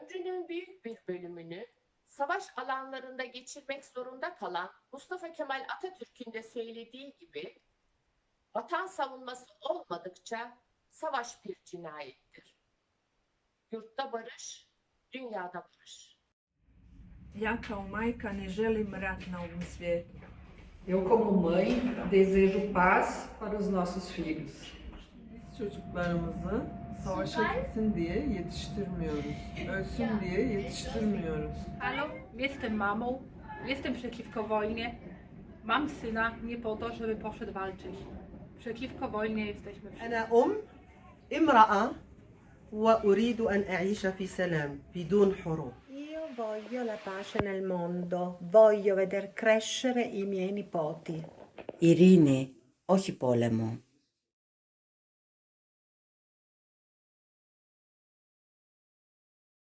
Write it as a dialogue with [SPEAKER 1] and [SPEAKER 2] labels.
[SPEAKER 1] ömrünün büyük bir bölümünü savaş alanlarında geçirmek zorunda kalan Mustafa Kemal Atatürk'ün de söylediği gibi vatan savunması olmadıkça savaş bir cinayettir. Yurtta barış, dünyada barış.
[SPEAKER 2] Ja kao majka ne želim rat na ovom svijetu.
[SPEAKER 3] Eu, como mãe, desejo paz para os nossos filhos.
[SPEAKER 4] Biz çocuklarımızı savaşa gitsin diye yetiştirmiyoruz. Ölsün diye yetiştirmiyoruz.
[SPEAKER 5] Halo, jestem mamą, jestem przeciwko wojnie. Mam syna nie po to, żeby poszedł walczyć. Przeciwko wojnie jesteśmy wszyscy.
[SPEAKER 6] أنا امرأة وأريد أن أعيش في سلام بدون حروب.
[SPEAKER 7] Io voglio la pace nel mondo, voglio veder crescere i miei nipoti.
[SPEAKER 8] Ειρήνη, όχι πόλεμο.